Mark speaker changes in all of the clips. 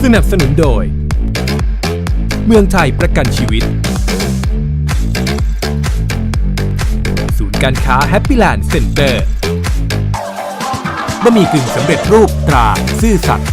Speaker 1: นับสนุนโดยเมืองไทยประกันชีวิตศูนย์การค้าแฮปปี้แลนด์เซ็นเตอร์บะหมี่กึ่งสำเร็จรูปตราซื่อสัตย์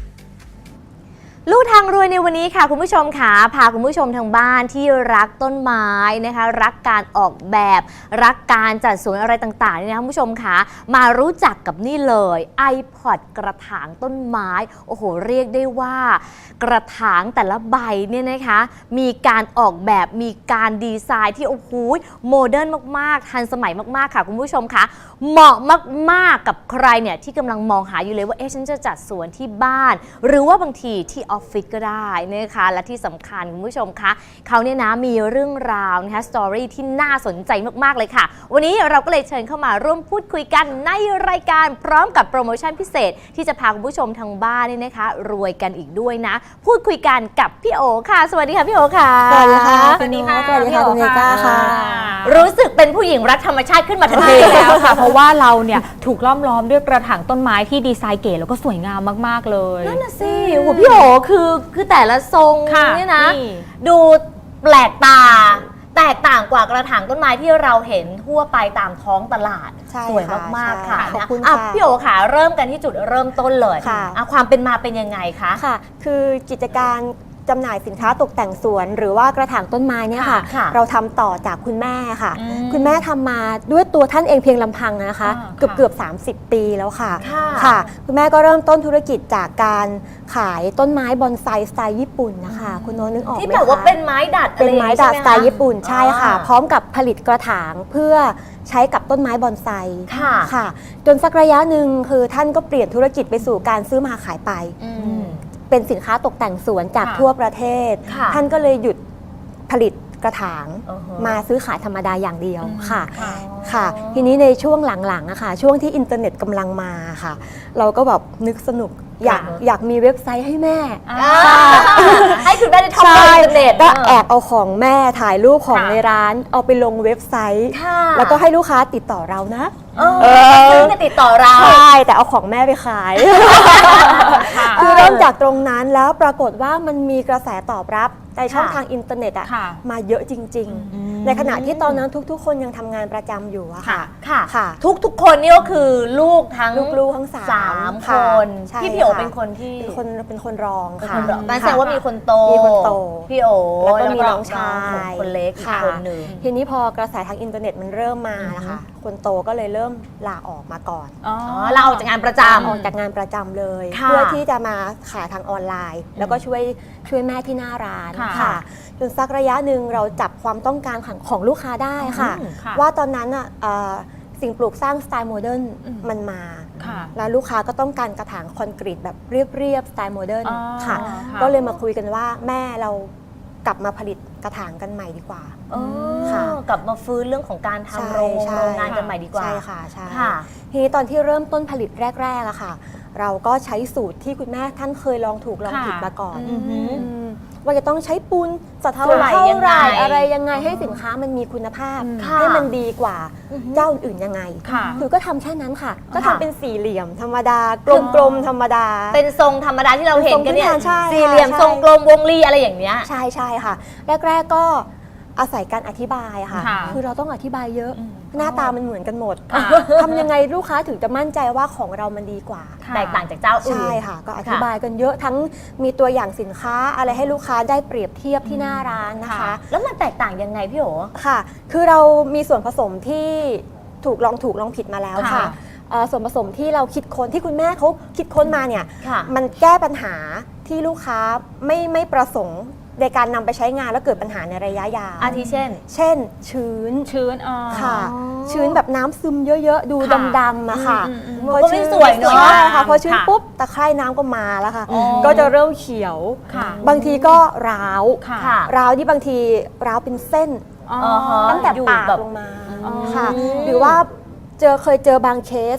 Speaker 2: ลู่ทางรวยในวันนี้ค่ะคุณผู้ชมค่ะพาคุณผู้ชมทางบ้านที่รักต้นไม้นะคะรักการออกแบบรักการจัดสวนอะไรต่างๆนี่นะคุณผู้ชมค่ะมารู้จักกับนี่เลย iPod กระถางต้นไม้โอ้โหเรียกได้ว่ากระถางแต่ละใบเนี่ยนะคะมีการออกแบบมีการดีไซน์ที่โอ้โหโมเดิร์นมากๆทันสมัยมากๆค่ะคุณผู้ชมค่ะเหมาะมากๆกับใครเนี่ยที่กำลังมองหาอยู่เลยว่าฉันจะจัดสวนที่บ้านหรือว่าบางทีที่ออฟฟิศก็ได้นะคะและที่สำคัญคุณผู้ชมคะเขาเนี่ยนะมีเรื่องราวนะคะสตอรี่ที่น่าสนใจมากๆเลยค่ะวันนี้เราก็เลยเชิญเข้ามาร่วมพูดคุยกันในรายการพร้อมกับโปรโมชั่นพิเศษที่จะพาคุณผู้ชมทางบ้านนี่นะคะรวยกันอีกด้วยนะพูดคุยกันกับพี่โอค่ะสวัสดีค่ะพี่โอค่ะ
Speaker 3: สวัสดีค่ะ
Speaker 2: สวัสดีค่ะ
Speaker 3: สวัสดีค่ะคุณเมก้าค่ะ
Speaker 2: รู้สึกเป็นผู้หญิงรักธรรมชาติขึ้นมาทันที
Speaker 3: แล้วค่ะเพราะว่าเราเนี่ยถูกล้อมด้วยกระถางต้นไม้ที่ดีไซน์เก๋แล้วก็สวยงามมากๆเลย
Speaker 2: นั่นน่ะสิโหพี่โอคือแต่ละทรงเนี่ยนะดูแปลกตาแตกต่างกว่ากระถางต้นไม้ที่เราเห็นทั่วไปตามท้องตลาดสวยมากๆค่ะขอบคุณค่ะพี่โอค่ะเริ่มกันที่จุดเริ่มต้นเลยความเป็นมาเป็นยังไงคะ
Speaker 4: ค่ะคือกิจการจำหน่ายสินค้าตกแต่งสวนหรือว่ากระถางต้นไม้เนี่ยค่ะเราทำต่อจากคุณแม่ค่ะคุณแม่ทำมาด้วยตัวท่านเองเพียงลำพังนะคะเกือบ30 ปีแล้วค่ะค่ะคุณแม่ก็เริ่มต้นธุรกิจจากการขายต้นไม้บอนไซสไตล์ญี่ปุ่นนะคะคุณโน้ตนึกออกไหมคะ
Speaker 2: ที่แบบว่าเป็นไม้ดัด
Speaker 4: เป็นไม้ดัดสไตล์ญี่ปุ่นใช่ค่ะพร้อมกับผลิตกระถางเพื่อใช้กับต้นไม้บอนไซค่ะจนสักระยะหนึ่งคือท่านก็เปลี่ยนธุรกิจไปสู่การซื้อมาขายไปเป็นสินค้าตกแต่งสวนจากทั่วประเทศท่านก็เลยหยุดผลิตกระถางมาซื้อขายธรรมดาอย่างเดียวค่ะทีนี้ในช่วงหลังๆอะค่ะช่วงที่อินเทอร์เน็ตกำลังมาค่ะเราก็แบบนึกสนุกอยากมีเว็บไซต์ให้แม่
Speaker 2: ให้คุณแม่ได้ท่องอินเทอร์เน็ต
Speaker 4: ก็แอบเอาของแม่ถ่ายรูปของในร้านเอาไปลงเว็บไซต์แล้วก็ให้ลูกค้าติดต่อเรานะ
Speaker 2: ซื้อมาติดต่อเรา
Speaker 4: ใช่แต่เอาของแม่ไปขายคือเริ่มจากตรงนั้นแล้วปรากฏว่ามันมีกระแสตอบรับในช่องทางอินเทอร์เน็ตอะมาเยอะจริงๆในขณะที่ตอนนั้นทุกๆคนยังทำงานประจำอยู่อะค่ะ
Speaker 2: ทุกคนนี่ก็คือลูกทั้ง3 คนพี่โอเป็นคนที่
Speaker 4: เป็นคนรองค่ะ
Speaker 2: นั่นแสดงว่ามีคนโตพี่โอ
Speaker 4: แล้วก็มีน้องชาย
Speaker 2: คนเล็กอีกคนหนึ่ง
Speaker 4: ทีนี้พอกระแสทางอินเทอร์เน็ตมันเริ่มมานะคะคนโตก็เลยเริ่มลาออกมาก่อน
Speaker 2: ลาออกจากงานประจำ
Speaker 4: ออกจากงานประจำเลยเพื่อที่จะมาขายทางออนไลน์แล้วก็ช่วยแม่ที่หน้าร้านค่ะจนสักระยะหนึ่งเราจับความต้องการของลูกค้าได้ค่ะว่าตอนนั้นสิ่งปลูกสร้างสไตล์โมเดิร์นมันมาแล้วลูกค้าก็ต้องการกระถางคอนกรีตแบบเรียบสไตล์โมเดิร์นค่ะก็เลยมาคุยกันว่าแม่เรากลับมาผลิตกระถางกันใหม่ดีกว่า
Speaker 2: ค่ะกลับมาฟื้นเรื่องของการทำโรงงานกันใหม่ดีกว่า
Speaker 4: ใช่ค่ะใช่ทีนี้ตอนที่เริ่มต้นผลิตแรกๆอะค่ะเราก็ใช้สูตรที่คุณแม่ท่านเคยลองถูกลองผิดมาก่อนว่าจะต้องใช้ปูนสัดเท่าไหร่อะไรยังไงให้สินค้ามันมีคุณภาพให้มันดีกว่าเจ้าอื่นยังไงคือก็ทำแค่นั้นค่ะก็ทำเป็นสี่เหลี่ยมธรรมดากลมธรรมดา
Speaker 2: เป็นทรงธรรมดาที่เราเห็นกันเนี่ยสี่เหลี่ยมทรงกลมวงรีอะไรอย่างเงี้ย
Speaker 4: ใช่ค่ะแรกๆก็อาศัยการอธิบายค่ะคือเราต้องอธิบายเยอะหน้าตามันเหมือนกันหมดทำยังไงลูกค้าถึงจะมั่นใจว่าของเรามันดีกว่า
Speaker 2: แตกต่างจากเจ้าอื่น
Speaker 4: ใช่ค่ะก็อธิบายกันเยอะทั้งมีตัวอย่างสินค้าอะไรให้ลูกค้าได้เปรียบเทียบที่หน้าร้านนะคะ
Speaker 2: แล้วมันแตกต่างยังไงพี่โอ
Speaker 4: ค่ะคือเรามีส่วนผสมที่ถูกลองผิดมาแล้วค่ะส่วนผสมที่เราคิดค้นที่คุณแม่เขาคิดค้นมาเนี่ยมันแก้ปัญหาที่ลูกค้าไม่ประสงค์ในการนำไปใช้งานแล้วเกิดปัญหาในระยะยาว
Speaker 2: อาทิเช่น
Speaker 4: ชื้น
Speaker 3: ค่ะ
Speaker 4: ชื้นแบบน้ำซึมเยอะๆดูดำๆอะค่ะ
Speaker 2: พอชื้นสวยเนาะ
Speaker 4: ใช่ค่ะพอชื้นปุ๊บตะไคร่น้ำก็มาแล้วค่ะก็จะเริ่มเขียวบางทีก็ร้าวที่บางทีร้าวเป็นเส้นตั้งแต่ปากลงมาค่ะหรือว่าเคยเจอบางเคส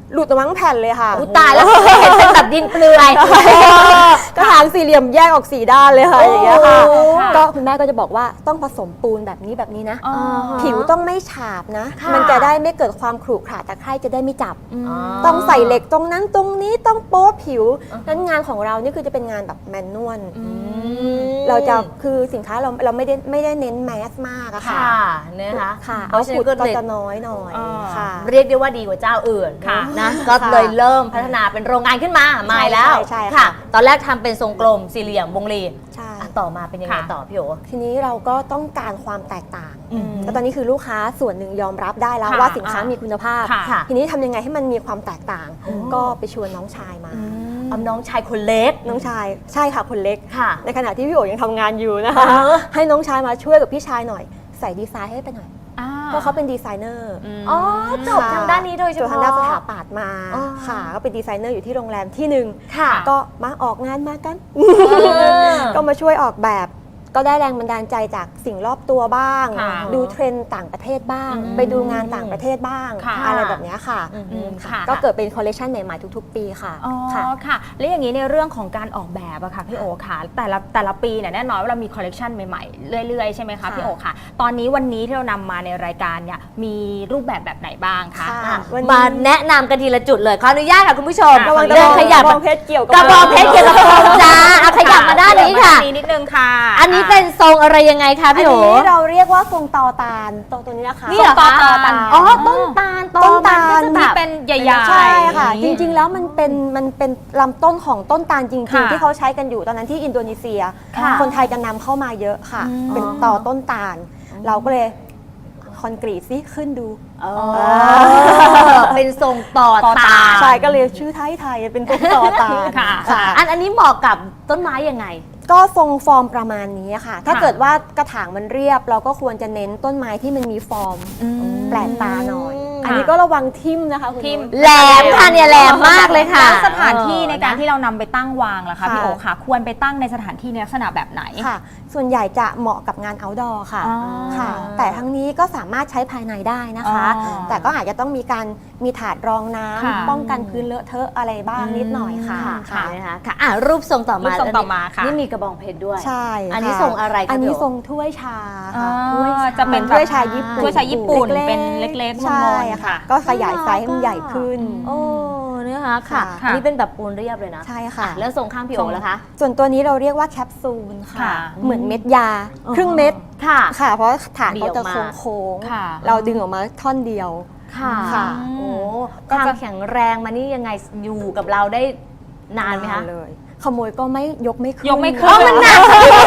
Speaker 4: หลุดออกมาทั้งแผ่นเลยค่ะ
Speaker 2: อุยตายแล้วเห็นเป็นแบบดินเปลือย
Speaker 4: กระถางสี่เหลี่ยมแยกออก4ด้านเลยค่ะอย่างเงี้ยค่ะ
Speaker 2: โอ้
Speaker 4: ก็คุณแม่ก็จะบอกว่าต้องผสมปูนแบบนี้นะ
Speaker 3: อ๋อ
Speaker 4: ผิวต้องไม่ฉาบนะ
Speaker 2: ค่ะ
Speaker 4: มันจะได้ไม่เกิดความขรุขระตะไคร่จะได้ไม่จับ
Speaker 2: อ๋อ
Speaker 4: ต้องใส่เหล็กตรงนั้นตรงนี้ต้องโป๊ผิวนั้นงานของเรานี่คือจะเป็นงานแบบแมนนวลเราจะคือสินค้าเราไม่ได้เน้นแมสมากอะค่ะ
Speaker 2: ค่ะนะคะ
Speaker 4: ค่ะ
Speaker 2: เพ
Speaker 4: เอา
Speaker 2: ราะฉะนั้
Speaker 4: ขุ
Speaker 2: น
Speaker 4: ด
Speaker 2: ก็
Speaker 4: ก็
Speaker 2: เลย
Speaker 4: จะน้อยหน่อย
Speaker 3: อ่า
Speaker 4: ค่ะ
Speaker 2: เรียกได้ว่าดีกว่าเจ้าอื่น
Speaker 3: ค่ะ
Speaker 2: นะก็เลยเริ่มพัฒนาเป็นโรงงานขึ้นมาใหม่แล้ว
Speaker 4: ใช่ค่ะ
Speaker 2: ค่ะ ตอนแรกทำเป็นทรงกลมสี่เหลี่ยมวงรี
Speaker 4: ใช่
Speaker 2: อ่ะต่อมาเป็นยังไง
Speaker 3: ค่ะ
Speaker 2: ต่อพี่โอ
Speaker 4: ทีนี้เราก็ต้องการความแตกต่าง
Speaker 3: อืม
Speaker 4: แล้วตอนนี้คือลูกค้าส่วนหนึ่งยอมรับได้แล้ว
Speaker 3: ค่ะ
Speaker 4: ว่าสินค้ามีคุณภาพ
Speaker 3: ค่ะ
Speaker 4: ทีนี้ทำยังไงให้มันมีความแตกต่าง ก็ไปชวนน้องชายมา
Speaker 2: เอาน้องชายคนเล็ก
Speaker 4: น้องชายใช่ค่ะคนเล็ก
Speaker 2: ค่ะ
Speaker 4: ในขณะที่พี่โอ๋ยังทำงานอยู่นะคะ ให้น้องชายมาช่วยกับพี่ชายหน่อย ใส่ดีไซน์ให้ไปหน่อย เพราะเขาเป็นดีไซเนอร์
Speaker 2: อ๋อจบทางด้านนี้โดยเฉ
Speaker 4: จบ
Speaker 2: พาะ
Speaker 4: ทางด้านสถาปัตย์มา
Speaker 2: อ๋อ
Speaker 4: ค่ะ ก็เป็นดีไซเนอร์อยู่ที่โรงแรมที่หนึ่ง
Speaker 2: ค่ะ
Speaker 4: ก็มาออกงานมากัน
Speaker 2: อ
Speaker 4: ก็มาช่วยออกแบบ ก็ได้แรงบันดาลใจจากสิ่งรอบตัวบ้าง
Speaker 3: ค่ะ
Speaker 4: ดูเทรนด์ต่างประเทศบ้าง
Speaker 2: อืม
Speaker 4: ไปดูงานต่างประเทศบ้าง
Speaker 3: ค่ะ
Speaker 4: อะไรแบบเนี้ยค่ะ
Speaker 3: ค่ะ
Speaker 4: ก็เกิดเป็นคอลเลคชันใหม่ๆทุกๆ ปีค่ะ
Speaker 3: อ๋อ
Speaker 4: ค่ะ
Speaker 3: ค่ะ แล้วอย่างนี้ในเรื่องของการออกแบบอะค่ะพี่โอค่ะแต่ละปีเนี่ยแน่นอนว่าเรามีคอลเลกชันใหม่ๆเรื่อยๆใช่ไหมคะ
Speaker 4: ค่ะ
Speaker 3: พี่โอค่ะ ตอนนี้วันนี้ที่เรานำมาในรายการเนี่ยมีรูปแบบไหนบ้างคะ
Speaker 4: ค่ะ
Speaker 2: อ่ะ
Speaker 4: วันนี้
Speaker 2: มาแนะนำกันทีละจุดเลยขออนุญาตค่ะคุณผู้ชม
Speaker 3: ระวัง
Speaker 2: เดินขยับ
Speaker 4: กระบองเพชรเกี่ยวกับ
Speaker 2: กระบองเพชรเกี่ยวกับทองจ้าเอาขยับมาด้านนี้ค่ะ
Speaker 3: ขยับมาด้านนี้นิดนึงค่ะ
Speaker 2: อันนี้เป็นทรงอะไรยังไงคะ
Speaker 4: อัน
Speaker 2: พี่โอ
Speaker 4: นี้เราเรียกว่าทรงตอตาลตัวนี้นะคะ
Speaker 2: นี่เหรอ
Speaker 3: ตอ
Speaker 2: คะ
Speaker 3: ตาล
Speaker 2: อ๋อต้นตาล
Speaker 4: ต้นตาล
Speaker 2: มันก็จะ
Speaker 3: ที่
Speaker 2: แบบ
Speaker 3: เป็นใหญ่ๆ
Speaker 4: ใช่ค่ะ
Speaker 3: อ
Speaker 4: จ
Speaker 3: ย่างนี้
Speaker 4: ริงๆแล้วมันเป็นลำต้นของต้นตาลจริง
Speaker 3: ค่ะ
Speaker 4: ๆ ที่เขาใช้กันอยู่ตอนนั้นที่อินโดนีเซีย
Speaker 2: ค่ะ
Speaker 4: คนไทยจะนำเข้ามาเยอะค่ะ เป็นตอต้นตาล เราก็เลยคอนกรีตซิขึ้นดู
Speaker 2: อ๋อเป็นทรงต่อตาล
Speaker 4: ใช่ก็เลยชื่อไทยๆเป็นต้นตอตาล
Speaker 3: ค่ะ
Speaker 4: ค่ะ
Speaker 2: อันนี้เหมาะกับต้นไม้ยังไง
Speaker 4: ก็ทรงฟอร์มประมาณนี้ค่ะ ถ้าเกิดว่ากระถางมันเรียบ เราก็ควรจะเน้นต้นไม้ที่มันมีฟอร์มแปลกตาหน่อย อันนี้ก็ระวังทิ่มนะคะคุณ
Speaker 3: ทิ่ม
Speaker 4: นุ้ย
Speaker 2: แหลมค่ะเนี่ยแหลมมากเลยค่ะ
Speaker 3: แล้วสถานที่ในการ
Speaker 2: เออ
Speaker 3: ที่เรานำไปตั้งวางล่ะคะ
Speaker 4: ค่ะ
Speaker 3: พี่โอค่ะ ควรไปตั้งในสถานที่ในลักษณะแบบไหน
Speaker 4: ค่ะ ส่วนใหญ่จะเหมาะกับงาน outdoor ค่ะ
Speaker 3: อ๋อ
Speaker 4: ค่ะ แต่ทั้งนี้ก็สามารถใช้ภายในได้นะคะ
Speaker 3: อ๋อ
Speaker 4: แต่ก็อาจจะต้องมีถาดรองน้ำ
Speaker 3: ค่ะ
Speaker 4: ป้องกันพื้นเลอะเทอะอะไรบ้างนิดหน่อยค่ะ
Speaker 2: ค่ะนะคะค่ะอ่ะรูปทรงต่อมา
Speaker 3: รูปทรงต่อมาค่ะ
Speaker 2: นี่มีกระบองเพชรด้วย
Speaker 4: ใช่ค่ะ
Speaker 2: อันนี้ทรงอะไรคะ
Speaker 4: อันนี้
Speaker 2: พี่โอ
Speaker 4: ทรงถ้วยชา
Speaker 3: อ๋อ
Speaker 4: ค่ะถ้วยชา
Speaker 3: จะเป็น
Speaker 4: ถ้วยชาญี่ปุ่น
Speaker 3: ถ้วยชาญี่ปุ่น
Speaker 4: ล็กๆ
Speaker 3: เป็นเล็กๆ
Speaker 4: ใช่
Speaker 3: มนๆ
Speaker 4: ค่ะ
Speaker 3: ค่ะ
Speaker 4: ก็ขยายไซส์ให้มันใหญ่ขึ้น
Speaker 2: โอ้นะคะค่ะ
Speaker 4: ค่ะ
Speaker 2: อันนี้เป็นแบบปูนเรียบเลยนะ
Speaker 4: ใช่ค่ะ
Speaker 2: อ่แล้วทรงข้างพี่โอแล้วคะ
Speaker 4: ส่วนตัวนี้เราเรียกว่าแคปซูลค่ะ
Speaker 3: ค่ะ
Speaker 4: เหมือนเม็ดยา ครึ่งเม็ด
Speaker 2: ค่ะ
Speaker 4: ค่ะ เพราะฐานเขาจะ
Speaker 2: เบี่ยงออกมา
Speaker 4: โค้ง
Speaker 3: ค่ะ
Speaker 4: ๆเราดึงออกมาท่อนเดียว
Speaker 2: ค่ะ
Speaker 4: ค่ะ
Speaker 2: โอ้
Speaker 3: ก็
Speaker 2: ความ
Speaker 3: จะ
Speaker 2: แข็งแรงมานี่ยังไงอยู่กับเราได้นานไหมคะ
Speaker 4: เลย ขโมยก็ไม่ยกไม่ขึ้น
Speaker 3: ยกไม่ขึ้น
Speaker 2: มันหนัก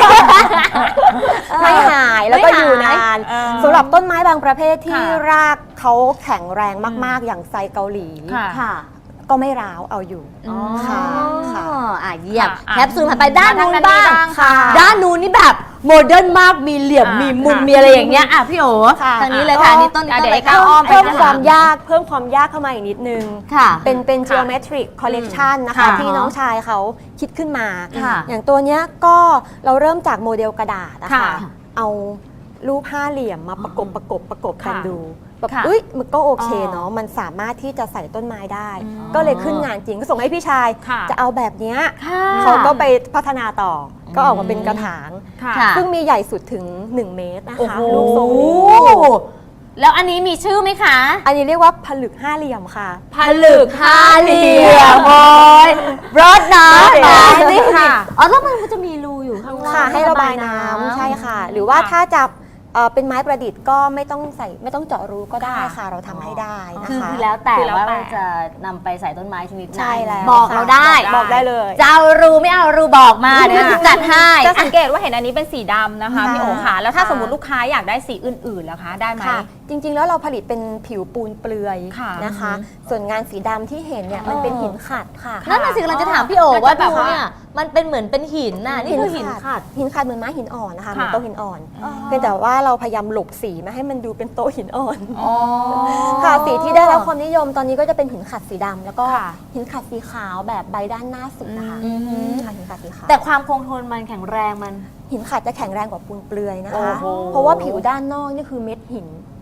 Speaker 4: ไม่หายแล้วก็
Speaker 2: ไม่หาย
Speaker 4: อยู่นาน
Speaker 3: เออ
Speaker 4: สำหรับต้นไม้บางประเภทที่
Speaker 3: ค่ะ
Speaker 4: รากเขาแข็งแรงมากๆ อย่างไซเกาหลี
Speaker 3: ค่ะ
Speaker 2: ค่ะ
Speaker 4: ก็ไม่ร้าวเอาอยู่
Speaker 2: อ๋อ
Speaker 4: ค่ะค่ะ
Speaker 2: อ่ะเยี่ยม
Speaker 3: ค่ะ
Speaker 2: แคปซูลผ่านไปด้านนู้น
Speaker 3: ด้านนี้
Speaker 2: บ้าง
Speaker 3: บ้างค่ะ
Speaker 2: ด้านนู้นนี่แบบโมเดิร์นมากมีเหลี่ยม
Speaker 3: ค่ะ
Speaker 2: มีมุม
Speaker 3: ค่ะ
Speaker 2: มีอะไรอย่างเงี้ยอ่ะพี่โอ
Speaker 4: ค่ะ
Speaker 2: ทางนี้เลยค่ะนี่ต้นนี้ต้น
Speaker 3: เดี๋ยว
Speaker 2: อะไร
Speaker 3: ไอ้ก้าว
Speaker 2: คะ
Speaker 3: อ้อมไป
Speaker 4: เพิ่ม
Speaker 3: ด้านหลัง
Speaker 4: ความยากเข้ามาอีกนิดนึง
Speaker 2: ค่ะ
Speaker 4: เป็น geometric collection นะคะ
Speaker 3: ค่ะ
Speaker 4: ที่น้องชายเขาคิดขึ้นมา
Speaker 2: ค่ะ
Speaker 4: อย่างตัวเนี้ยก็เราเริ่มจากโมเดลกระดาษนะคะ
Speaker 3: ค่ะ
Speaker 4: เอารูปห้าเหลี่ยมมาประกบกัน
Speaker 3: ค่ะ
Speaker 4: ดูแบบ
Speaker 3: ค่ะ
Speaker 4: มันก็โอเค
Speaker 3: อ๋อ
Speaker 4: เนาะมันสามารถที่จะใส่ต้นไม้ได้
Speaker 3: อืม
Speaker 4: ก็เลยขึ้นงานจริงก็ส่งให้พี่ชาย
Speaker 3: ค่ะ
Speaker 4: จะเอาแบบเนี้ย
Speaker 2: ค่ะ
Speaker 4: เขาก็ไปพัฒนาต่ออก็ออกมาเป็นกระถาง
Speaker 3: ค่ะ
Speaker 2: ค่ะ
Speaker 4: ซึ่งมีใหญ่สุดถึง 1 เมตรนะ
Speaker 2: โอ้
Speaker 4: คะ
Speaker 2: โห
Speaker 4: รูปทรงนี้
Speaker 2: แล้วอันนี้มีชื่อไหมคะ
Speaker 4: อันนี้เรียกว่าผลึกห้าเหลี่ยมค่ะ
Speaker 2: ผลึกห้าเหลี่ยมโอ้ยรถนะ
Speaker 4: รถ
Speaker 2: นี่
Speaker 3: ค่ะ
Speaker 2: อ๋อแล้วมันก็จะมีรูอยู่ข้างล่าง
Speaker 4: ค่ะให้ระบายน้ำใช่ค่ะ หรือว่าถ้าจะเป็นไม้ประดิษฐ์ก็ไม่ต้องเจาะรูก็ได้ค่ะ เราทำให้ได้นะ
Speaker 2: คือ
Speaker 4: คะ
Speaker 2: คือแล้วแต่
Speaker 3: คือแล้ว
Speaker 2: ว่า
Speaker 3: แต่
Speaker 2: จะนำไปใส่ต้นไม้ชนิดไหน
Speaker 4: ใช่แล้ว
Speaker 2: บอก
Speaker 4: ค่ะ
Speaker 2: เราได้
Speaker 4: บอกได้เลย
Speaker 2: จะเอารูไม่เอารูบอกมาเดี๋ยวจะจัดให้
Speaker 3: จะสังเกตว่าเห็นอันนี้เป็นสีดำนะคะ
Speaker 4: ค่ะ
Speaker 3: พี่โอค่ะแล้วถ้า
Speaker 4: ค่ะ
Speaker 3: สมมติลูกค้าอยากได้สีอื่นๆแล้วคะได้ไหม
Speaker 4: ค่ะ จริงๆแล้วเราผลิตเป็นผิวปูนเปลือย
Speaker 3: ค่ะ
Speaker 4: นะคะ ส่วนงานสีดำที่เห็นเนี่ยมันเป็นหินขัดค่ะ
Speaker 2: นั่นน่ะสิกำลังจะถามพี่โอ
Speaker 3: น่าจะ
Speaker 2: ว่า
Speaker 3: แบบ
Speaker 2: ดู
Speaker 3: ว่า
Speaker 2: เนี่ยมันเป็นเหมือนเป็นหินน่ะนี่คือหินขัด
Speaker 4: หินขัดเหมือนไม้หินอ่อนนะคะเหมือน
Speaker 3: ค่ะ
Speaker 4: โต๊ะหินอ่อนเพียงแต่ว่าเราพยายามหลบสีไม่ให้มันดูเป็นโต๊ะหินอ่อน
Speaker 3: อ๋อ
Speaker 4: ค่ะสีที่ได้รับความนิยมตอนนี้ก็จะเป็นหินขัดสีดำแล้วก็
Speaker 3: ค่ะ
Speaker 4: หินขัดสีขาวแบบใบด้านหน้าสุดนะคะ
Speaker 2: อืม
Speaker 4: ค่ะหินขัดสีขาว
Speaker 2: แต่ความคงทนมันแข็งแรงมัน
Speaker 4: หินขัดจะแข็งแรงกว่าปูนเปลือยนะ
Speaker 2: โอ้
Speaker 4: คะ
Speaker 2: โห
Speaker 4: เพราะว่าผิวด้านนอกนี่คือเม็ดหิน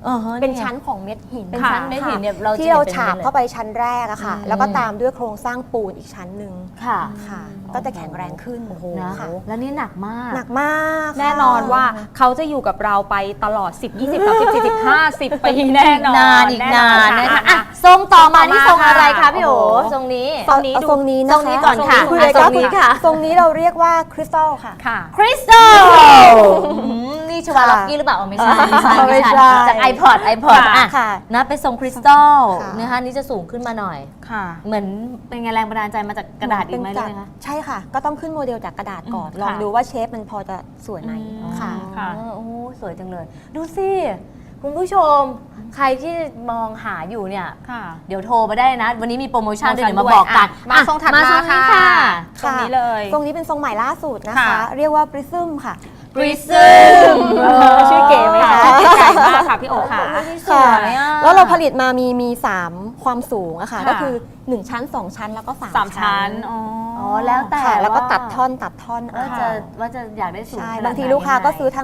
Speaker 4: เป็นชั้นของเม็ดหิน
Speaker 2: เป็นชั้นเม็ดหินเนี่ยเราจะ
Speaker 4: ที่เรา
Speaker 2: เห็นเป็น
Speaker 4: ฉาบ
Speaker 2: เลย
Speaker 4: เข้าไปชั้นแรกอะค่ะ แล้วก็ตามด้วยโครงสร้างปูนอีกชั้นหนึ่ง
Speaker 2: ค่ะ
Speaker 4: ค่ะ ก็จะแข็งแรงขึ้น
Speaker 2: นะ
Speaker 4: ค่ะ
Speaker 2: แล้วนี่หนักมาก
Speaker 4: หนักมากค่ะ
Speaker 3: แน่นอนว่าเขาจะอยู่กับเราไปตลอด 10 20 30 40 50 ปีแน่นอน
Speaker 2: นานอีกนาน
Speaker 3: แ
Speaker 2: นะคะอ่ะทรงต่อมานี่ทรงอะไรคะพี่โอ
Speaker 3: โอ้โห
Speaker 2: ทรงนี้
Speaker 3: ทรงนี้
Speaker 4: เอาทรงนี้
Speaker 2: ท
Speaker 4: นะ
Speaker 2: รง
Speaker 4: คะ
Speaker 2: นี้ก่อนค่ะ
Speaker 4: คุย
Speaker 2: อ่ะ
Speaker 4: เลย
Speaker 2: ทรงนี้ค่ะ
Speaker 4: ทรงนี้เราเรียกว่าคริสตัลค่ะ
Speaker 3: ค่ะ
Speaker 2: คริสตัลนี่ชวาล็อกกี้หรือเปล่าอ๋อไม่ใช่
Speaker 4: ไม่ใช่
Speaker 2: จาก iPod อ่ะ
Speaker 4: ค่ะ
Speaker 2: นะเป็นทรงคริสตัล
Speaker 4: ค่ะ
Speaker 2: นะคะนี่จะสูงขึ้นมาหน่อย
Speaker 3: ค่ะ
Speaker 2: เหมือนเป็นไงแรงบันดาลใจมาจากกระดาษอีกไหมเลยคะ
Speaker 4: ใช่ค่ะ ก็ต้องขึ้นโมเดลจากกระดาษก่อน
Speaker 3: อืม
Speaker 4: ลอง
Speaker 3: ค่ะ
Speaker 4: ดูว่าเชฟมันพอจะสวยไหม
Speaker 3: อืม
Speaker 4: ค่ะ
Speaker 3: ค่ะ
Speaker 2: โอ้โหสวยจังเลย ดูสิ คุณผู้ชม ใครที่มองหาอยู่เนี่ย
Speaker 3: ค่ะ
Speaker 2: เดี๋ยวโทรมาได้นะ วันนี้มีโปรโมชั่นด้วย
Speaker 3: โปรโมชั่น
Speaker 2: เดี๋ยวมาบอกกัน
Speaker 3: ด้วยอ่ะมาทรงถัดมา
Speaker 2: ทรงนี้
Speaker 3: ค่ะ
Speaker 2: ค่ะ
Speaker 3: ตรงนี้เลย
Speaker 4: ทรงนี้เป็นทรงใหม่ล่าสุดนะคะ
Speaker 3: ค่ะ
Speaker 4: เรียกว่า Prism ค่ะ
Speaker 2: Prism
Speaker 4: ชื่อเก๋ไหมคะ
Speaker 3: ใหญ่มากค่ะพี่โอค่ะ
Speaker 2: สวยอ่ะ
Speaker 4: แล้วเราผลิตมามี3ความสูงอะค่ะ
Speaker 3: ค่ะ
Speaker 4: ก็คือ 1 ชั้น 2 ชั้นแล้วก็
Speaker 3: 3
Speaker 4: 3
Speaker 3: ชั้น
Speaker 2: อ๋อแล้วแต่
Speaker 4: ค่ะ แล้วก็
Speaker 2: ว่า
Speaker 4: ตัดท่อน
Speaker 2: ว่าจะว่าจะอยากได้สูง
Speaker 4: ใช่
Speaker 2: ขนดไหน
Speaker 4: บางทีลูกค้าก็ซื้อ
Speaker 2: ยังไง
Speaker 4: ทั้ง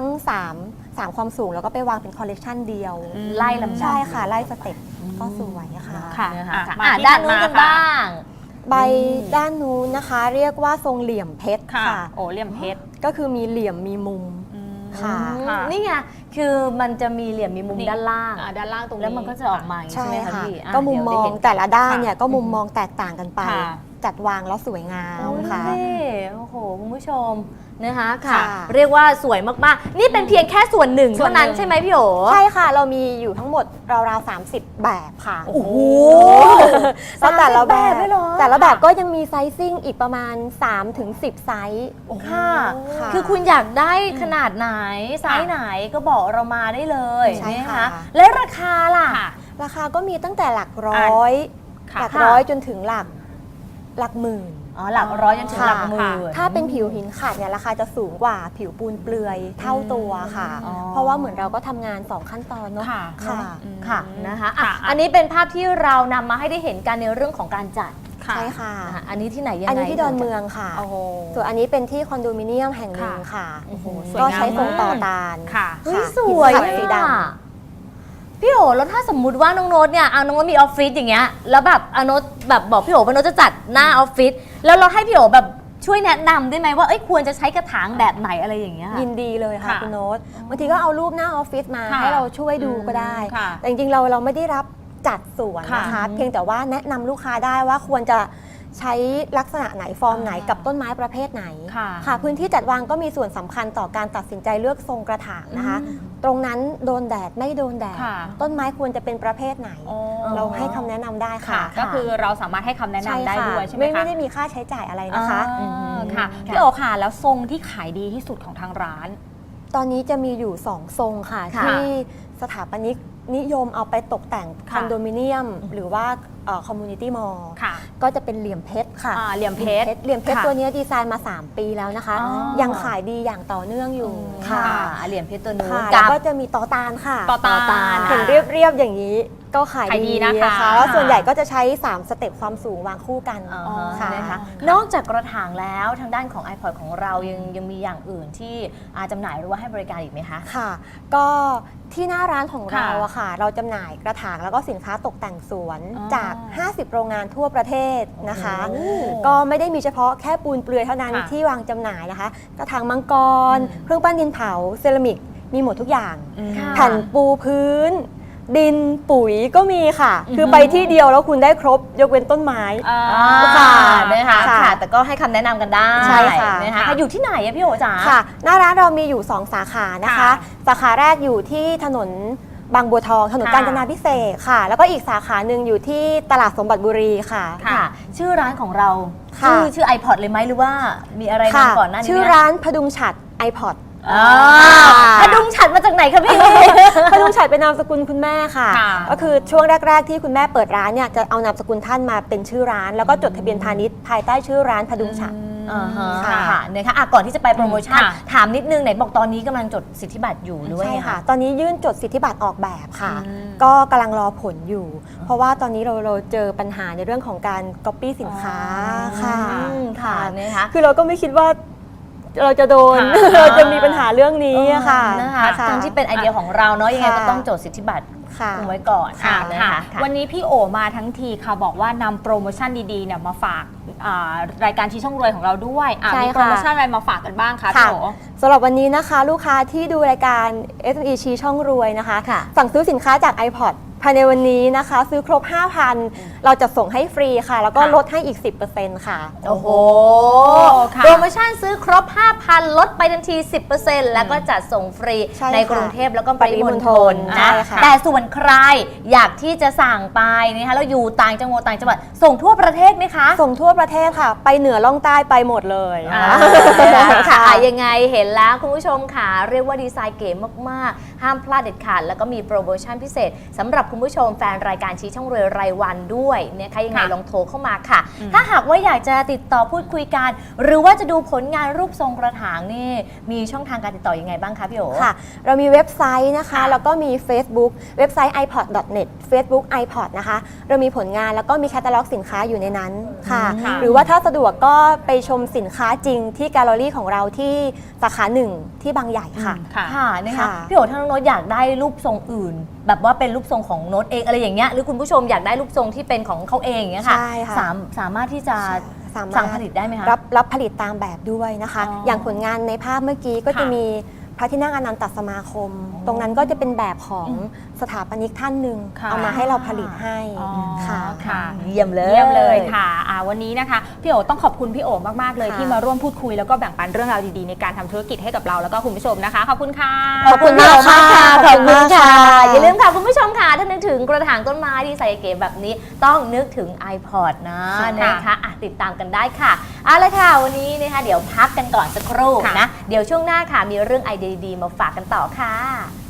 Speaker 4: 3ความสูงแล้วก็ไปวางเป็นคอลเลกชันเดียว
Speaker 2: ไล่ลำดับ
Speaker 4: ใช่ค่ะ ไล่สเต็ปก็สวยค่ะ
Speaker 3: ค่ะ
Speaker 2: นะคะ
Speaker 3: อ่ะ
Speaker 2: อ่ะ
Speaker 3: มาที่
Speaker 2: ด้าน
Speaker 3: ถัด
Speaker 2: นู้น
Speaker 3: มา
Speaker 2: กัน
Speaker 3: ค่ะ
Speaker 2: บ้าง
Speaker 4: ใบด้านนู้นนะคะ เรียกว่าทรงเหลี่ยมเพชร
Speaker 3: ค่ะ
Speaker 4: ค่ะ
Speaker 3: โอ้เหลี่ยมเพชร
Speaker 4: ก็คือมีเหลี่ยมมีมุม ค่ะ
Speaker 3: ค่ะ
Speaker 2: นี่ไง คือมันจะมีเหลี่ยมมีมุม
Speaker 3: นี่
Speaker 2: ด้านล่าง
Speaker 3: ด้านล่างตรงนี้
Speaker 2: แล้วมันก็จะออกมาอย่างนี้
Speaker 4: ใช่
Speaker 2: ใช่ไหมคะ
Speaker 4: ค่ะ
Speaker 2: พี่อ่ะ
Speaker 4: ก็มุมม
Speaker 2: เดี๋ยว
Speaker 4: อ
Speaker 2: ได้
Speaker 4: ง
Speaker 2: เห็น
Speaker 4: แต่ละด้านเนี่ย
Speaker 3: ค่ะ
Speaker 4: ก็มุมมองแตกต่างกันไป
Speaker 3: ค่ะ
Speaker 4: จัดวางแล้วสวยงาม
Speaker 2: เอา
Speaker 4: ค่ะ
Speaker 2: สิโอ้โห คุณผู้ชมนะคะค่ะ
Speaker 4: ค่ะ
Speaker 2: เรียกว่าสวยมากๆ นี่เป็นเพียงแค่ส่วนหนึ่ง
Speaker 3: ส่ว
Speaker 2: เท่าน
Speaker 3: หนึ่
Speaker 2: นั้น
Speaker 3: ง
Speaker 2: ใช่ไหมพี่โอ
Speaker 4: ใช่ค่ะ เรามีอยู่ทั้งหมดราวๆ30 แบบค่ะ
Speaker 2: โอ้โห
Speaker 4: แล้วแต่ละ
Speaker 2: 30แบบด้วยเหรอ
Speaker 4: แต่ละแบบก็ยังมีไซซิ่งอีกประมาณ 3-10 ไซส์
Speaker 2: ค่ะ
Speaker 4: ค่ะ
Speaker 2: คือคุณอยากได้ขนาดไหน ไซส์ไหนก็บอกเรามาได้เลย
Speaker 4: ใช่
Speaker 2: นะ
Speaker 4: ค่ะ
Speaker 2: และราคาล่ะ
Speaker 3: ค่ะ
Speaker 4: ราคาก็มีตั้งแต่หลักร้อย
Speaker 3: ค่ะ
Speaker 4: หลักร้อยจนถึงหลักหมื่น
Speaker 2: อ๋อหลักร้อยจนถึงหลักหมื่น
Speaker 4: ถ้าเป็นผิวหินขัดเนี่ยราคาจะสูงกว่าผิวปูนเปลือยเท่าตัวค่ะ
Speaker 2: อ๋อ
Speaker 4: เพราะว่าเหมือนเราก็ทำงาน 2 ขั้นตอนเนาะ
Speaker 3: ค่ะ
Speaker 4: ค่ะ
Speaker 2: ค่ะนะคะอ่ะ
Speaker 3: ค่ะ
Speaker 2: อันนี้เป็นภาพที่เรานำมาให้ได้เห็นกันในเรื่องของการจัด
Speaker 3: ค่ะ
Speaker 4: ใช่ค่ะ
Speaker 2: นะคะอันนี้ที่ไหนยังไง
Speaker 4: อันนี้ที่ดอนเมืองค่ะ
Speaker 3: โอ้โห
Speaker 4: ส่วนอันนี้เป็นที่คอนโดมิเนียมแห่งหนึ่งค่ะ
Speaker 2: โอ้โห
Speaker 3: สวย
Speaker 4: ก็
Speaker 3: งาม
Speaker 4: ใช้ทรงต่อ
Speaker 3: มาก
Speaker 4: ตาล
Speaker 3: ค่ะ
Speaker 2: เฮ้ย
Speaker 4: ค่ะ
Speaker 2: สวย
Speaker 4: หินขัดสีด
Speaker 2: อ่ะพี่โอแล้วถ้าสมมุติว่าน้องโน้ตเนี่ยเอาน้องโน้ตมีออฟฟิศอย่างเงี้ยแล้วแบบเอาโน้ตแบบบอกพี่โอว่าโน้ตจะจัดหน้าออฟฟิศแล้วเราให้พี่โอแบบช่วยแนะนำได้ไหมว่าเอ้ยควรจะใช้กระถางแบบไหนอะไรอย่างเงี้ย
Speaker 4: ำยินดีเลยค่ะ
Speaker 3: ค่ะ
Speaker 4: คุณโน้ตบางทีก็เอารูปหน้าออฟฟิศมา
Speaker 3: ค่ะ
Speaker 4: ให้เราช่วยดูก็ได้
Speaker 3: ค่ะ
Speaker 4: แต่จริงๆเราไม่ได้รับจัดสวนนะคะ
Speaker 3: ค่ะ
Speaker 4: เพียงแต่ว่าแนะนำลูกค้าได้ว่าควรจะใช้ลักษณะไหนฟอร์มไหนกับต้นไม้ประเภทไหน
Speaker 3: ค่ะ
Speaker 4: พื้นที่จัดวางก็มีส่วนสำคัญต่อการตัดสินใจเลือกทรงกระถางนะคะ ตรงนั้นโดนแดดไม่โดนแดด
Speaker 3: ค่ะ
Speaker 4: ต้นไม้ควรจะเป็นประเภทไหน
Speaker 3: อ๋อ
Speaker 4: เราให้คำแนะนำได้
Speaker 3: ค่ะ
Speaker 4: ค่ะ
Speaker 3: ก็คือเราสามารถให้คำแนะนำได้ด้วยใช่ไหมคะ
Speaker 4: ไม่ได้มีค่าใช้จ่ายอะไรนะคะ
Speaker 3: อ่าค่ะ
Speaker 2: ค่ะ
Speaker 3: พี่โอค่ะ แล้วทรงที่ขายดีที่สุดของทางร้าน
Speaker 4: ตอนนี้จะมีอยู่ 2 ทรงค่ะ
Speaker 2: ค่ะ
Speaker 4: ที่สถาปนิกนิยมเอาไปตกแต่งค
Speaker 3: ค่ะ
Speaker 4: อนโดมิเนียม หรือว่าคอมมูนิตี้มอลล์
Speaker 3: ค่ะ
Speaker 4: ก็จะเป็นเหลี่ยมเพชรค่ะ
Speaker 3: เหลี่ยมเพชร
Speaker 4: เหลี่ยมเพชร
Speaker 3: ค่ะ
Speaker 4: ตัวนี้ดีไซน์มา 3 ปีแล้วนะคะ
Speaker 3: อ๋อ
Speaker 4: ยังขายดีอย่างต่อเนื่องอยู่
Speaker 2: ค่ะ
Speaker 4: ค่ะ
Speaker 2: เหรียญเพชรตัวนู้น
Speaker 4: ค่ะ
Speaker 2: กั
Speaker 4: แล้ว
Speaker 2: บ
Speaker 4: ก็จะมีต่อตาลค่ะ
Speaker 3: ต่อตาล
Speaker 4: เห็นเรียบๆอย่างนี้ก็ขาย
Speaker 3: ขายดี
Speaker 4: ดี
Speaker 3: นะคะ
Speaker 4: แล้วส่วนใหญ่ก็จะใช้ 3 สเต็ปความสูงวางคู่กัน
Speaker 2: อ๋อ
Speaker 4: ค่ะ
Speaker 2: นะคะนอกจากกระถางแล้วทางด้านของ iPod ของเรายังมีอย่างอื่นที่จำหน่ายหรือว่าให้บริการอีกไหมคะ
Speaker 4: ค่ะ ก็ที่หน้าร้านของเรา
Speaker 3: ค่ะ
Speaker 4: อะค่ะ เราจำหน่ายกระถางแล้วก็สินค้าตกแต่งสวน
Speaker 3: อ๋อ
Speaker 4: จาก 50 โรงงานทั่วประเทศนะคะ
Speaker 3: โอ้
Speaker 4: ก็ไม่ได้มีเฉพาะแค่ปูนเปลือยเท่านั้น
Speaker 3: ค่ะ
Speaker 4: ที่วางจำหน่ายนะคะ กระถางมังกร เครื่องปั้นดินเผา เซรามิก มีหมดทุกอย่าง
Speaker 2: ค่ะ
Speaker 4: แผ่นปูพื้น ดินปุ๋ยก็มีค่ะ คือไปที่เดียวแล้วคุณได้ครบยกเว้นต้นไม้
Speaker 2: ค่ะนะคะ
Speaker 4: ค่ะ
Speaker 2: ค่ะ แต่ก็ให้คำแนะนำกันได้
Speaker 4: ใช่ค่ะ
Speaker 2: นะคะอยู่ที่ไหนอะพี่โอจ๋า
Speaker 4: ค่ะ หน้าร้านเรามีอยู่ 2 สาขานะคะ
Speaker 3: ค่ะ
Speaker 4: สาขาแรกอยู่ที่ถนนบางบัวทอง ถนน
Speaker 3: ค่ะ
Speaker 4: กาญจนาพิเศษกค่ะ แล้วก็อีกสาขาหนึ่งอยู่ที่ตลาดสมบัติบุรีค่ะ
Speaker 2: ค่ะ ชื่อร้านของเรา
Speaker 4: ค่ะ
Speaker 2: ชื่อ iPod เลยไหมหรือว่ามีอะไร
Speaker 4: ค่ะ
Speaker 2: นำก่อนหน้านี้
Speaker 4: ชื่อ
Speaker 2: ไหม
Speaker 4: ร้านพดุงฉัตร iPod
Speaker 2: อ่าพดุงฉัดมาจากไหนคะพี่
Speaker 4: พดุงฉัตรเป็นนามสกุลคุณแม่ค่ะ
Speaker 3: ค่ะ
Speaker 4: ก็คือช่วงแรก ๆ ที่คุณแม่เปิดร้านเนี่ยจะเอานามสกุลท่านมาเป็นชื่อร้าน แล้วก็จดทะเบียนพาณิชย์ภายใต้ชื่อร้านพดุงฉัตร
Speaker 2: อ่าฮะ
Speaker 4: ค่ะ
Speaker 2: ค่ะนะคะก่อนที่จะไปโปรโมชั่น
Speaker 3: ค่ะ
Speaker 2: ถามนิดนึงไหนบอกตอนนี้กำลังจดสิทธิบัตรอยู่หรือว่า
Speaker 4: ใช่
Speaker 2: ไง
Speaker 4: ค่ะ ตอนนี้ยื่นจดสิทธิบัตรออกแบบค่ะ
Speaker 3: อืม
Speaker 4: ก็กำลังรอผลอยู่ เพราะว่าตอนนี้เราเจอปัญหาในเรื่องของการก๊อปปี้สินค้าค่ะ
Speaker 2: อืมค่ะนะคะ
Speaker 4: คือเราก็ไม่คิดว่าเราจะโดน
Speaker 3: ค่ะ
Speaker 4: เราจะมีปัญหาเรื่องนี้อะค่ะ
Speaker 2: นะคะทั้งที่เป็นไอเดียของเราเนาะยังไงก็ต้องจดสิทธิบัตร
Speaker 4: ค่ะ
Speaker 2: คุมไว้ก่อน
Speaker 3: ค่ะ
Speaker 2: นะคะ
Speaker 3: วันนี้พี่โอมาทั้งทีค่ะบอกว่านำโปรโมชั่นดีๆเนี่ยมาฝากรายการชี้ช่องรวยของเราด้วย
Speaker 4: ใช่ค่ะ
Speaker 3: มีโปรโมชั่นอะไรมาฝากกันบ้างคะ
Speaker 4: ค่ะ
Speaker 3: พี่โอ
Speaker 4: สำหรับวันนี้นะคะลูกค้าที่ดูรายการ SME ชี้ช่องรวยนะคะ
Speaker 2: ค่ะ
Speaker 4: สั่งซื้อสินค้าจาก iPod ภายในวันนี้นะคะ ซื้อครบ 5,000 เราจะส่งให้ฟรีค่ะ แล้วก็
Speaker 3: ค่ะ
Speaker 4: ลดให้อีก 10%ค่ะ
Speaker 2: โอ้โห
Speaker 3: ค่ะ
Speaker 2: โปรโมชั่นซื้อครบ 5,000 ลดไปทันที 10%แล้วก็จัดส่งฟรี
Speaker 4: ใช่ค่ะ
Speaker 2: ในกรุงเทพแล้วก็ปริมณฑล
Speaker 4: ใช่
Speaker 2: นะ
Speaker 4: ค่ะ
Speaker 2: แต่ส่วนใครอยากที่จะสั่งไปนะคะแล้วอยู่ต่างจังหวัดส่งทั่วประเทศไหมคะ
Speaker 4: ส่งทั่วประเทศค่ะ ไปเหนือล่องใต้ไปหมดเลย
Speaker 2: อ่าค่ะยังไงเห็นแล้วคุณผู้ชมค่ะเรียกว่าดีไซน์เก๋มากๆ ห้ามพลาดเด็ดขาดแล้วก็มีโปรโมชั่นพิเศษสำหรับคุณผู้ชมแฟนรายการชี้ช่องรวยรายวันด้วยนะคะยังไง
Speaker 3: ค่ะ
Speaker 2: ลองโทรเข้ามาค่ะ ถ้าหากว่าอยากจะติดต่อพูดคุยกัน หรือว่าจะดูผลงานรูปทรงกระถางนี่มีช่องทางการติดต่อยังไงบ้างคะพี่โอ
Speaker 4: ค่ะ เรามีเว็บไซต์นะคะ
Speaker 3: ค่ะ
Speaker 4: แล้วก็มี Facebook เว็บไซต์ ipod.net Facebook iPod นะคะ เรามีผลงานแล้วก็มีแคตตาล็อกสินค้าอยู่ในนั้นค่ะ
Speaker 3: ค่ะ
Speaker 4: หรือว่าถ้าสะดวกก็ไปชมสินค้าจริงที่แกลเลอรี่ของเราที่สาขาหนึ่งที่บางใหญ่ค่ะ
Speaker 3: ค่ะ
Speaker 2: ค่ะนะคะ
Speaker 4: ค่ะ
Speaker 2: พี่โอถ้าน้องโน้ตอยากได้รูปทรงอื่น แบบว่าเป็นรูปทรงของโน้ตเองอะไรอย่างเงี้ยหรือคุณผู้ชมอยากได้รูปทรงที่เป็นของเขาเองอย่างเงี้ยค่ะ
Speaker 4: ใช่ค่ะ
Speaker 2: สามารถที่จะ
Speaker 4: สามารถ
Speaker 2: สั่งผลิตได้ไหมคะ
Speaker 4: รับผลิตตามแบบด้วยนะคะ
Speaker 2: อ๋อ
Speaker 4: อ
Speaker 2: อย่าง
Speaker 4: ผลงานในภาพเมื่อกี้ก็จะ
Speaker 3: ค่ะ
Speaker 4: มีพระที่นั่งอนันตสมาคม ตรงนั้นก็จะเป็นแบบของสถาปนิกท่านหนึ่ง
Speaker 3: ค่ะ
Speaker 4: เอามาให้เราผลิตให้
Speaker 3: อ๋อ
Speaker 4: ค่ะ
Speaker 3: ค่ะ
Speaker 2: เยี่ยมเลย
Speaker 3: เยี่ยมเลยค่ะวันนี้นะคะพี่โอต้องขอบคุณพี่โอมากๆเลย
Speaker 4: ค่ะ
Speaker 3: ที่มาร่วมพูดคุยแล้วก็แบ่งปันเรื่องราวดีๆในการทำธุรกิจให้กับเราแล้วก็คุณผู้ชมนะคะขอบคุณค่ะ
Speaker 4: ขอบคุณมากค่ะ
Speaker 2: ขอบคุณค่ะ
Speaker 4: ขอบคุณค่ะ
Speaker 2: อย่าลืมค่ะคุณผู้ชมค่ะถ้านึกถึงกระถางต้นไม้ดีไซน์เก๋แบบนี้ต้องนึกถึง iPod นะ
Speaker 3: ค่ะ
Speaker 2: นะคะอ่ะติดตามกันได้ค่ะเอาละค่ะวันนี้นะคะเดี๋ยวพักกันก่อนสักครู่
Speaker 3: ค่ะ
Speaker 2: นะเดี๋ยวช่วงหน้าค่ะมีเรื่องไอเดียดีๆมาฝากกันต่อค่ะ